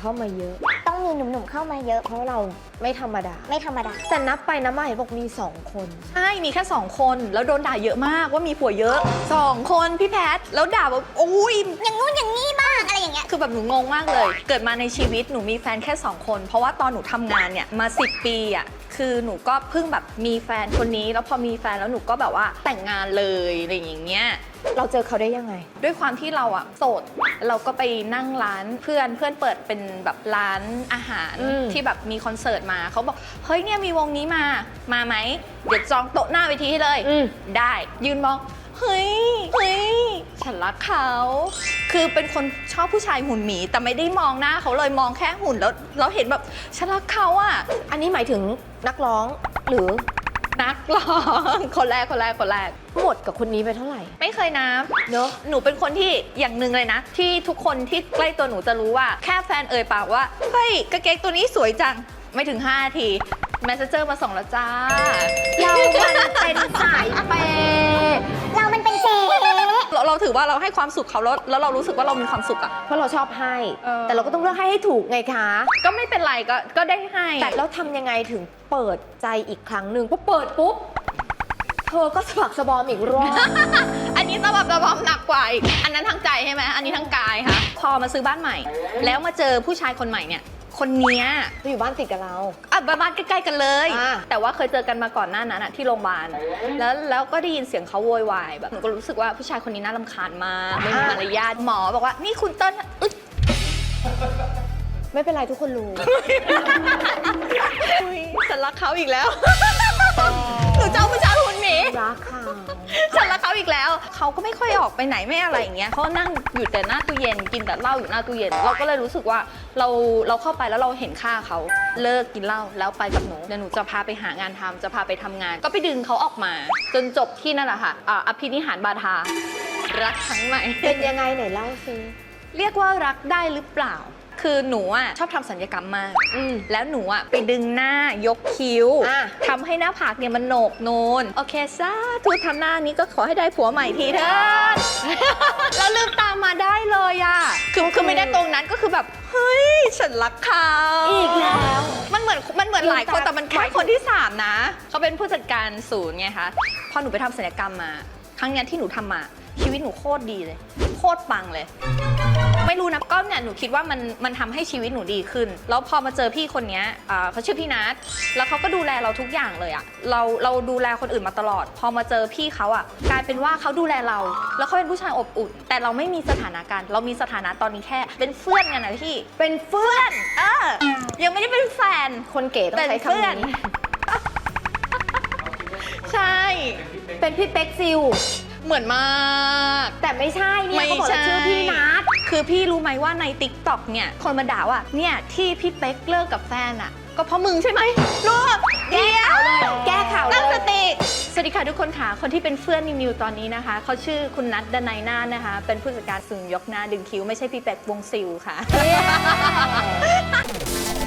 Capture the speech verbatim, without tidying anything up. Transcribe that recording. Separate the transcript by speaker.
Speaker 1: เข้ามาเยอะ
Speaker 2: ต้องมีหนุ่มๆเข้ามาเยอะ
Speaker 1: เพราะเราไม่ธรรมดา
Speaker 2: ไม่ธรรมดา
Speaker 1: แต่นับไปนับมาเห็นบอกมีสองคน
Speaker 3: ใช่มีแค่สองคนแล้วโดนด่าเยอะมากว่ามีผัวเยอะสองคนพี่แพทแล้วด่าแบบโอ้ย
Speaker 2: อย่างงู้นอย่างนี้บ้างอะไรอย่างเงี้ย
Speaker 3: คือแบบหนูงงมากเลย เกิดมาในชีวิตหนูมีแฟนแค่สองคนเพราะว่าตอนหนูทำงานเนี่ยมาสิบปีอ่ะคือหนูก็เพิ่งแบบมีแฟนคนนี้แล้วพอมีแฟนแล้วหนูก็แบบว่าแต่งงานเลยอะไรอย่างเงี้ย
Speaker 1: เราเจอเขาได้ยังไง
Speaker 3: ด้วยความที่เราอะโสดเราก็ไปนั่งร้านเพื่อนเพื่อนเปิดเป็นแบบร้านอาหาร
Speaker 1: อืม
Speaker 3: ที่แบบมีคอนเสิร์ตมาเขาบอกเฮ้ยเนี่ยมีวงนี้มามาไหมเดี๋ยวจองโต๊ะหน้าเวทีให้เลย
Speaker 1: อืม
Speaker 3: ได้ยืนมองเฮ้ยเฮ้ยฉันรักเขาคือเป็นคนชอบผู้ชายหุ่นหมีแต่ไม่ได้มองหน้าเขาเลยมองแค่หุ่นแล้วเราเห็นแบบฉันรักเขาอะ
Speaker 1: อันนี้หมายถึงนักร้องหรือ
Speaker 3: นักร้องคนแรกคนแรกคนแรก
Speaker 1: หมดกับคนนี้ไปเท่าไหร่
Speaker 3: ไม่เคยนับ
Speaker 1: เนอะ
Speaker 3: หนูเป็นคนที่อย่างหนึ่งเลยนะ ที่ทุกคนที่ใกล้ตัวหนูจะรู้ว่าแค่แฟนเอ่ยปากว่าเฮ้ยกางเกงตัวนี้สวยจังไม่ถึงห้านาทีแมสเซเจอร์มาส่งแล้วจ้า
Speaker 1: เรามันเป็นสายเปย์
Speaker 2: เรามันเป็นเจ๊
Speaker 3: เราเราถือว่าเราให้ความสุขเขาแล้วแล้วเรารู้สึกว่าเรามีความสุขอะ
Speaker 1: เพราะเราชอบให้
Speaker 3: เออ
Speaker 1: แต่เราก็ต้องเลือกให้ให้ถูกไงคะ
Speaker 3: ก็ไม่เป็นไรก็ก็ได้ให้
Speaker 1: แต่เราทำยังไงถึงเปิดใจอีกครั้งหนึ่งพอเปิดปุ๊บ เธอก็สะบักสะบอมอีกรอบ
Speaker 3: อันนี้สะบับสะบอมหนักกว่าอีกอันนั้นทั้งใจใช่ไหมอันนี้ทั้งกายค่ะพอมาซื้อบ้านใหม่ แล้วมาเจอผู้ชายคนใหม่เนี่ยคนเนี้ย
Speaker 1: เธออยู่บ้านติดกับเรา
Speaker 3: อ่ะบ้านใกล้ๆกันเลย
Speaker 1: อ่า
Speaker 3: แต่ว่าเคยเจอกันมาก่อนหน้านั้นอะที่โรงพยาบาลแล้วแล้วก็ได้ยินเสียงเขาโวยวายแบบหนูก็รู้สึกว่าผู้ชายคนนี้น่ารำคาญมากไม่มีมารยาทหมอบอกว่านี่คุณเติ้ลอึ๊ด
Speaker 1: ไม่เป็นไรทุกคนรู้
Speaker 3: อุ๊ยฉันรักเขาอีกแล้ว หนูเจ้าผู้ชายหุ่นหมี
Speaker 1: รักค่ะ
Speaker 3: ฉันรักเขาอีกแล้วเขาก็ไม่ค่อยออกไปไหนไม่อะไรอย่างเงี้ยเขานั่งอยู่แต่หน้าตู้เย็นกินแต่เหล้าอยู่หน้าตู้เย็นเราก็เลยรู้สึกว่าเราเราเข้าไปแล้วเราเห็นค่าเขาเลิกกินเหล้าแล้วไปกับหนูเดี๋ยวหนูจะพาไปหางานทำจะพาไปทำงาน ก็ไปดึงเขาออกมา จนจบที่นั่นแหละค่ะอ่าอภินิหารบาทารักครั้งใหม่
Speaker 1: เป็นยังไงไหนเล่าซิ
Speaker 3: เรียกว่ารักได้หรือเปล่า คือหนูอ่ะชอบทำศัลยกรรมมาก
Speaker 1: อืม
Speaker 3: แล้วหนูอ่ะไปดึงหน้ายกคิ้ว
Speaker 1: อ่ะ
Speaker 3: ทำให้หน้าผากเนี่ยมันโหนกโนนโอเคซาทุกทำหน้านี้ก็ขอให้ได้ผัวใหม่ทีเถิด แล้วลืมตามมาได้เลยอ่ะคือคือไม่ได้ตรงนั้นก็คือแบบเฮ้ยฉันรักเขา
Speaker 1: อีกแล้ว
Speaker 3: มันเหมือนมันเหมือนหลายคน
Speaker 1: ลืมตา
Speaker 3: แต่มันแค่คนที่สามนะเขาเป็นผู้จัดการศูนย์ไงคะพอหนูไปทำศัลยกรรมมา ครั้งเนี้ยที่หนูทำมาชีวิตหนูโคตรดีเลย โคตรปังเลย ไม่รู้นะก็เนี่ยหนูคิดว่ามันมันทำให้ชีวิตหนูดีขึ้น แล้วพอมาเจอพี่คนเนี้ยอ่าเขาชื่อพี่นัทแล้วเขาก็ดูแลเราทุกอย่างเลยอะเราเราดูแลคนอื่นมาตลอด พอมาเจอพี่เขาอะกลายเป็นว่าเขาดูแลเรา แล้วเขาเป็นผู้ชายอบอุ่น แต่เราไม่มีสถานะกันเรามีสถานะตอนนี้แค่ เป็นเพื่อนกันนะพี่
Speaker 1: เป็นเฟื่อน
Speaker 3: เออยังไม่ได้เป็นแฟน
Speaker 1: คนเก๋ต้องใช้คำนี้
Speaker 3: ใช่
Speaker 1: เป็นพี่เป๊กซิล
Speaker 3: เหมือนมาก
Speaker 1: แต่ไม่ใช่เนี่ย
Speaker 3: ไม่
Speaker 1: เขาบอก
Speaker 3: ใช่
Speaker 1: ว่าชื่อพี่นัท
Speaker 3: คือพี่รู้ไหมว่าใน ติ๊กต็อก เนี่ย คนมาด่าว่า เนี่ยที่พี่เป๊กเลิกกับแฟนอ่ะ ก็เพราะมึงใช่ไหมรู้เดียว
Speaker 1: แก้ข่าวเลย
Speaker 3: ตั้งสติ สวัสดีค่ะทุกคนค่ะ คนที่เป็นเพื่อนนิวๆตอนนี้นะคะ เขาชื่อคุณนัทดนัยนาถนะคะ เป็นผู้จัดการศูนย์ยกหน้าดึงคิ้ว ไม่ใช่พี่เป๊กวงซิลค่ะ